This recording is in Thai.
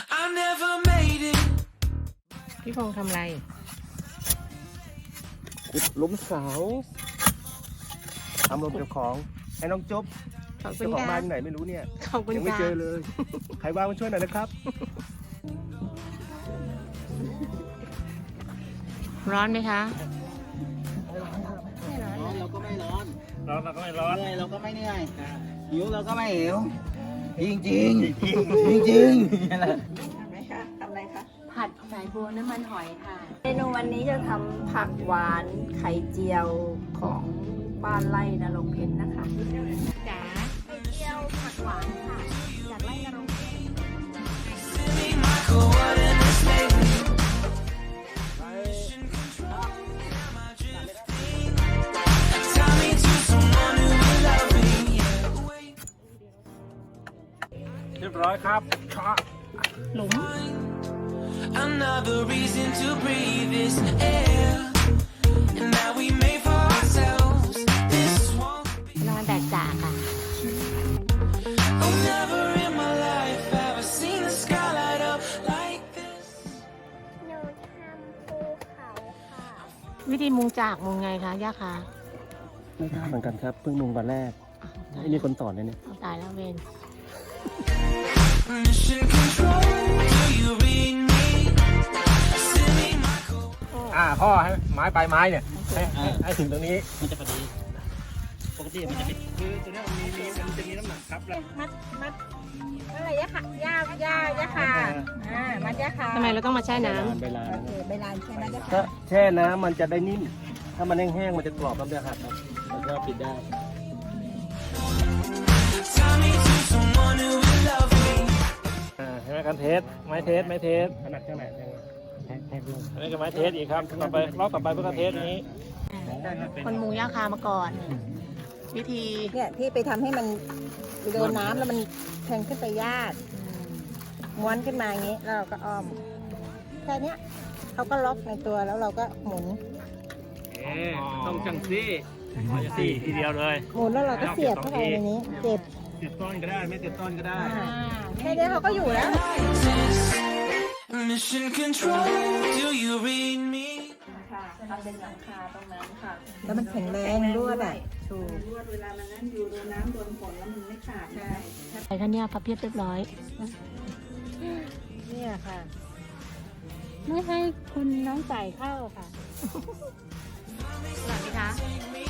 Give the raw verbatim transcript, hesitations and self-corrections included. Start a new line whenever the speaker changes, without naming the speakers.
I never made it.
พี่พงษ์ทำอะไร
ขุดหลุมเสาทำรวมเจ้าของให้น้องจุ๊บ
ขอบคุ
เจ้า
ณ
ของ
ค่ะ
บ้านอยู่ไหนไม่รู้เนี่ย
ขอบคุณ
ยังไม่
ค่ะ
เจอเลย ใครว่างมาช่วยหน่อยนะครับ
ร้อนไหมคะ
ร้อนเราก็ไม่ร้อน
ร้อนเราก็ไม่ร้อน
เหนื่อยเราก็ไม่เหนื่อยหิวเราก็ไม่หิวจริงจริงจริงจริง
ทำไหมคะทำอะไรคะ
ผัดสายบัวน้ำมันหอยค่ะ
เมนูวันนี้จะทำผักหวานไข่เจียวของบ้านไร่นรงค์เพชรนะคะ
จ๋า
ไข่เจียวผักหวานค่ะจากไร่นรงค์เพชร
Me, Michael, what an mistake. Tie me to someone who will love me. Yeah. Wait.
เรียบร้อยครับชะ
หลุม
Another reason to breathe this air. And that we made for ourselves. This won't be.
นอนแดดจ่าค่ะ
Oh, never in my life have I seen the sky light up like this.
หนูทำภูเขาค่ะ
วิธีมุงจากมุงไงคะย่าคะ
ไม่ทราบเหมือนกันครับเพิ่งลงวันแรกไม่มีคนสอนเลยเนี่ย
เอาตายแล้วเวน
Mission control. Do you read me? Send me my code.
อ่าพ่อให้ไม้ปลายไม้เนี่ยให้ให้ให้ถึงตรงนี้
มันจะพอดีปกติมันจะเป็นคือตัวนี้มันมีมีมันจะมีน้ำหนักครับแล้ว
มัดมัดอะไรยะค่ะย่าย่าย่าค่ะอ่ามัดย่าค่ะ
ทำไมเราต้องมาแช่น้
เวลา
โอเคใบลานใช่ไหมย่า
ถ้า
ค่ะ
แช่น้ำมันจะได้นิ่ม ถ้ามันแห้งๆมันจะกรอบแล้วจะหักครับมันก็ปิดได้
Tie me to someone who will love me.
อ่าใช่ไหมกันเทสไม้เทสไม้เทส
ขนาดเท่าไหร่แทงแทงด้วย
อันนี้ก็ไม้เทสอีกครับต่อไปรอบต่อไปเพื่อกันเทสนี้
ำคนมุงย่าคามาก่อน วิธี
เนี่ยที่ไปทำให้มันโดนน้ำแล้วมันแทงขึ้นไปยากม้วนขึ้นมาอย่างนี้แล้วเราก็อ้อมแค่เนี้ยเขาก็ล็อกในตัวแล้วเราก็หมุน
เอ๊ต้องจังซี่สี่ทีเดียวเลย
หมุนแล้วเราก็เสียบเข้าไปในนี้เจ็บ
เสียบต้นก็ได้ไม่เสียบต้นก็ได้
อ่าแค่นี้เขาก็อยู่แล้ว
Mission control. Do you read me?
ค่ะทำเป็นหลังคาตรงนั้นค่ะ แล้วมันแข็งแรงด้วยแบบถูก
รวดเวลามันนั่นอยู่โดนน้ำโดนฝนแล้วมันไม่ขาด
ใช่
ไปท่านเนี่ยพับเพียบเรียบร้อย
เนี่ยค่ะ
ไม่ให้คุณน้องใส่เข้าค่ะ
สวัสดีคะ
Take me